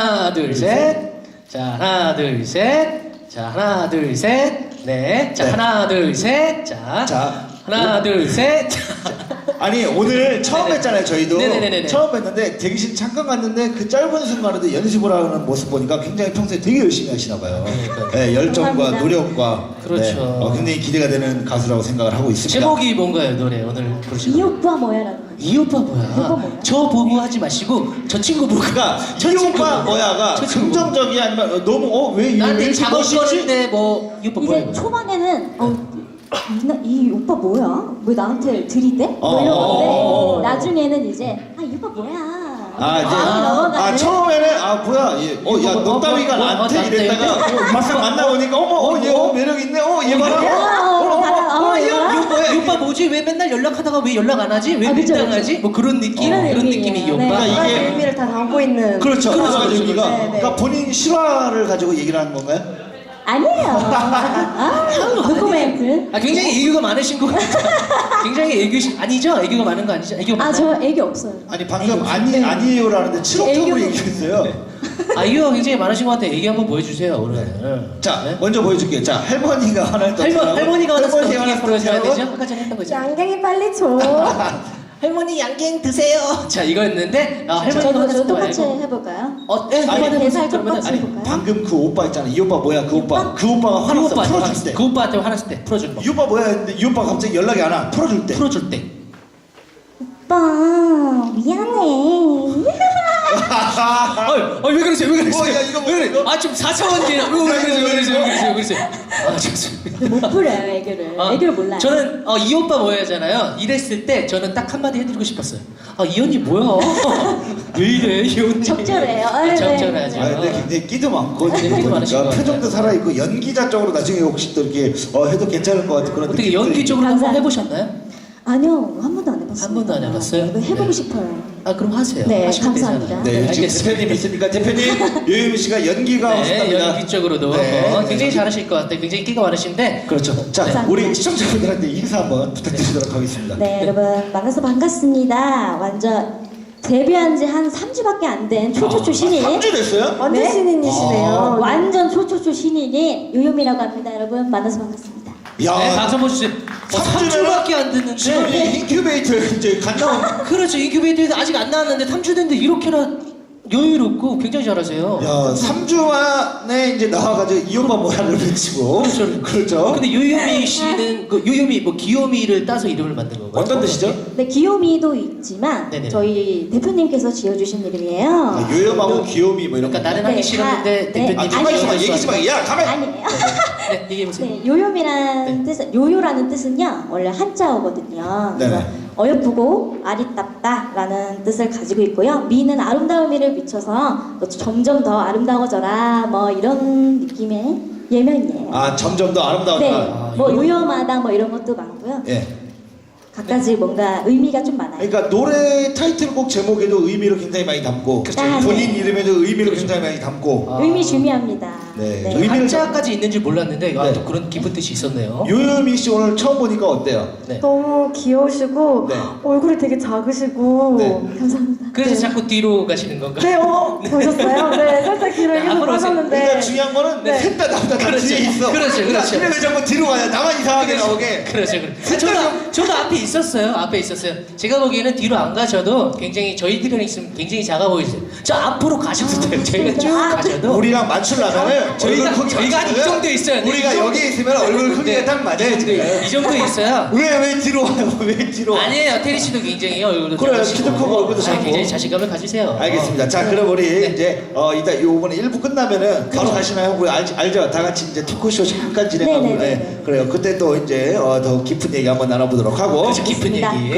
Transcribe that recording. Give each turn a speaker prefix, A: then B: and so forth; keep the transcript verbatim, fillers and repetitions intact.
A: 하나 둘 셋. 자 하나 둘 셋. 자 하나 둘 셋. 네. 자
B: 네.
A: 하나 둘 셋. 자,
B: 자,
A: 하나 둘 셋.
B: 아니 오늘 처음
A: 네네.
B: 뵀잖아요 저희도.
A: 네네네네.
B: 처음 뵀는데 대기실 잠깐 갔는데 그 짧은 순간에도 연습을 하는 모습 보니까 굉장히 평소에 되게 열심히 하시나 봐요. 네, 열정과
C: 감사합니다.
B: 노력과
A: 그렇죠.
B: 네, 어, 굉장히 기대가 되는 가수라고 생각을 하고 있습니다.
A: 제목이 뭔가요 노래 오늘 부르시는?
C: 이 오빠 뭐야라는 거.
A: 이 오빠 뭐야?
C: 이 오빠 뭐야?
A: 저 보고 하지 마시고 저 친구 보고.
B: 그러니까
A: 저
B: 이
A: 친구
B: 오빠
A: 보고.
B: 뭐야가
A: 저 친구 보고.
B: 긍정적이야 아니면 어, 너무 어왜
A: 나한테
B: 이렇게
A: 작업
B: 멋있지?
A: 거는데 뭐 이 오빠 뭐야?
C: 이제 초반에는 어, 이, 나- 이 오빠 뭐야? 왜 나한테 들이대? 뭐
B: 어.
C: 이러는데 나중에는 이제 아 이 오빠 뭐야?
B: 아 이제
C: 마음이 넘어가는.
B: 아 처음에는 아 뭐야 어야
A: 뭐,
B: 너 따위가
A: 뭐, 뭐,
B: 나한테
A: 뭐,
B: 이랬다가 막상 만나보니까 어머 어얘 어, 매력 있네 어얘 봐라
C: 어, 어, 어,
B: 어어어얘
C: 어,
B: 이거 뭐야
A: 이 오빠 뭐지? 왜 맨날 연락하다가 왜 연락 안 하지? 왜
C: 아, 그쵸,
A: 밀당하지? 뭐 그런 느낌?
C: 그런
A: 그런
C: 느낌이에요.
A: 느낌이 이 오빠.
C: 네.
B: 그러니까
C: 여러 가지
B: 이게-
C: 의미를 다 담고 있는.
B: 그렇죠
A: 그렇죠,
B: 그래서
A: 그렇죠.
B: 여기가
C: 네, 네.
B: 그러니까 본인 실화를 가지고 얘기를 하는 건가요?
C: 아니에요. 아, 노코멘트.
A: 아 굉장히 애교가 많으신 것 같아요. 굉장히 애교시 아니죠? 애교가 많은 거 아니죠? 애교
C: 아,
A: 많아요?
C: 저 애기 없어요.
B: 아니 방금
C: 애교.
B: 아니
C: 네.
B: 아니에요라는데 칠옥통으로
C: 애교.
B: 얘기했어요.
A: 아 애교가 굉장히 많으신 것 같아요. 애교 한번 보여주세요 오늘.
B: 자
A: 네?
B: 먼저 보여줄게요. 자 할머니가 하나 더
A: 할머, 할머니가 화났을 때
B: 할머니가
A: 어떻게
B: 화났을
A: 풀어줘야
B: 때
A: 되죠? 아까 전에 했던 거죠.
C: 양갱이 빨리 줘.
A: 할머니 양갱 드세요. 자 이거였는데 아, 할머니가
C: 저도
A: 화났을
C: 저
A: 때
C: 똑같이
A: 말고.
C: 해볼까요?
A: 어, 네,
B: 아니,
A: 한번
C: 대사
A: 해보세요. 그러면
C: 똑같이
A: 아니,
C: 해볼까요?
B: 방금 그 오빠 있잖아. 이 오빠 뭐야? 그 오빠.
C: 오빠?
B: 그 오빠가
A: 그
B: 화났어.
A: 오빠한테
B: 풀어줄
A: 화났을 때,
B: 때.
A: 그 오빠한테 화났을 때 풀어주는 거.
B: 이 오빠 뭐야 했는데 이 오빠 갑자기 연락이 안 와. 풀어줄 때.
A: 풀어줄 때.
C: 오빠 미안해.
A: 아, 왜 그러세요? 왜 그러세요?
B: 어, 야, 이거 뭐,
A: 왜 그래?
B: 이거?
A: 아, 좀 사차원지. 왜 그러세요? 왜 그러세요? 왜 그러세요? 왜 그러세요? 아, 죄송합니다.
C: 못 부려요 애교를.
A: 아,
C: 애교를 몰라요.
A: 저는 어, 이 오빠 뭐야잖아요. 이랬을 때 저는 딱 한마디 해드리고 싶었어요. 아, 이 언니 뭐야? 왜 이래, 이 언니?
C: 적절해요.
A: 아,
C: 네,
A: 적절하죠.
C: 네.
B: 아 근데 굉장히 끼도 많고
A: 네, 끼도 많으신 것
B: 보니까
A: 같아요.
B: 표정도 살아있고 연기자 쪽으로 나중에 혹시 또 이렇게 어, 해도 괜찮을 것 같은 그런
A: 어떻게
B: 느낌들이-
A: 연기 쪽으로 한번
C: 감사합니다.
A: 해보셨나요?
C: 아니요 한 번도 안 해봤어요.
A: 한 번도 안 해봤어요?
C: 이거 해보고
A: 네.
C: 싶어요.
A: 아, 그럼 하세요.
C: 네,
A: 하시면
C: 감사합니다.
A: 되잖아요.
B: 네, 지금
A: 알겠습니다.
B: 대표님 있으니까 대표님 유혜미 씨가 연기가
A: 네,
B: 없습니다.
A: 연기 쪽으로도
B: 네,
A: 어,
B: 네.
A: 굉장히 잘하실 것 같아요. 굉장히 끼가 많으신데.
B: 그렇죠. 자,
C: 감사합니다.
B: 우리 시청자분들한테 인사 한번 부탁드리도록 하겠습니다.
C: 네, 여러분 만나서 반갑습니다. 완전 데뷔한 지 한 삼 주밖에 안 된 초초초 신인.
B: 삼 주 됐어요?
C: 완전
B: 아.
C: 신인이시네요. 완전 초초초 신인인 요요미라고 합니다. 여러분 만나서 반갑습니다.
B: 야,
A: 네, 박수 한번 주세요. 어,
B: 삼
A: 삼
B: 주면은
A: 주밖에 안 됐는데.
B: 지금 이 인큐베이터 이제 갓 나온.
A: 그렇죠. 인큐베이터에서 아직 안 나왔는데 삼 주 됐는데 이렇게나 여유롭고 굉장히 잘하세요.
B: 야, 삼 주 만에 이제 나와가지고 이 오빠 뭐야를 외치고.
A: 그렇죠.
B: 그렇죠.
A: 근데 요요미 씨는 그 요요미 뭐 귀요미를 따서 이름을 만든 건가요?
B: 어떤 뜻이죠?
C: 네, 귀요미도 있지만
A: 네네.
C: 저희 대표님께서 지어주신 이름이에요.
B: 아, 요염하고 귀요미 뭐 이런 거.
A: 그러니까 나는 하기
C: 네,
A: 싫었는데
C: 다-
A: 대표님
B: 아,
C: 네,
B: 가만히 있어봐.
C: 아니에요.
B: 얘기지 마. 야, 가만히.
C: 아니에요.
A: 네, 얘기해 보세요.
C: 네, 요요미라는 뜻은 요요라는 뜻은요 원래 한자어거든요. 그래서
B: 네네.
C: 어여쁘고 아리답다라는 뜻을 가지고 있고요. 미는 아름다움이를 비춰서 너 점점 더 아름다워져라 뭐 이런 느낌의 예명이에요.
B: 아, 점점 더 아름다워져.
C: 네,
A: 아,
C: 뭐
A: 이거-
C: 요요마다 뭐 이런 것도 많고요.
B: 예.
C: 각가지 뭔가 의미가 좀 많아요.
B: 그러니까 노래 타이틀곡 제목에도 의미를 굉장히 많이 담고
C: 그렇죠.
B: 본인 이름에도 의미를 굉장히 많이 담고
A: 아.
C: 의미 중요합니다.
B: 네.
C: 네.
B: 의미- 의미를
A: 한자까지 있는 줄 몰랐는데 아,
B: 네.
A: 또 그런 깊은 뜻이 있었네요.
B: 요요미 씨 오늘 처음 보니까 어때요?
A: 네.
D: 너무 귀여우시고
B: 네.
D: 얼굴이 되게 작으시고
B: 네.
C: 감사합니다.
A: 그래서
D: 네.
A: 자꾸 뒤로 가시는 건가요?
D: 네, 어, 보셨어요? 네, 살짝 귀를
A: 네,
D: 계속
A: 앞으로 오세요.
D: 빠졌는데
B: 그러니까 중요한 거는
D: 네.
B: 셋 다 나보다 다
A: 그렇죠.
B: 뒤에 있어.
A: 그렇죠, 그렇죠.
B: 근데 왜 자꾸 뒤로 가냐? 나만 이상하게 나오게.
A: 그렇죠, 그렇죠. 저도, 저도 앞에 있었어요. 앞에 있었어요. 제가 보기에는 뒤로 안 가셔도 굉장히 저희들은 있으면 굉장히 작아 보이세요. 저 앞으로 가셔도 돼요. 저희가 쭉
C: 아,
A: 가셔도.
B: 우리랑 맞추려면은
A: 저희가
B: 얼굴 크기
A: 저희가 한 이
B: 맞추려면
A: 정도 있어야 돼.
B: 우리가
A: 이 정도.
B: 여기 있으면 얼굴 크기가
A: 네,
B: 딱 맞아요
A: 이 정도,
B: 지금.
A: 이 정도 있어야.
B: 왜왜 뒤로 와요? 왜 뒤로? 와?
A: 아니에요. 테리 씨도 굉장히 얼굴도
B: 그래요.
A: 작으시고.
B: 키도 크고 얼굴도
A: 아,
B: 작고.
A: 굉장히 자신감을 가지세요.
B: 알겠습니다. 자, 그럼 우리 이제 어 이따 요번에 일 부 끝나면은 바로
A: 그렇죠.
B: 가시나요? 우리 알, 알죠? 다 같이 이제 토크쇼 잠깐 진행하고
C: 네네네네.
B: 네. 그래요. 그때 또 이제 어, 더 깊은 얘기 한번 나눠보도록 하고.
A: 그렇죠. 깊은
C: 알겠습니다.
A: 얘기.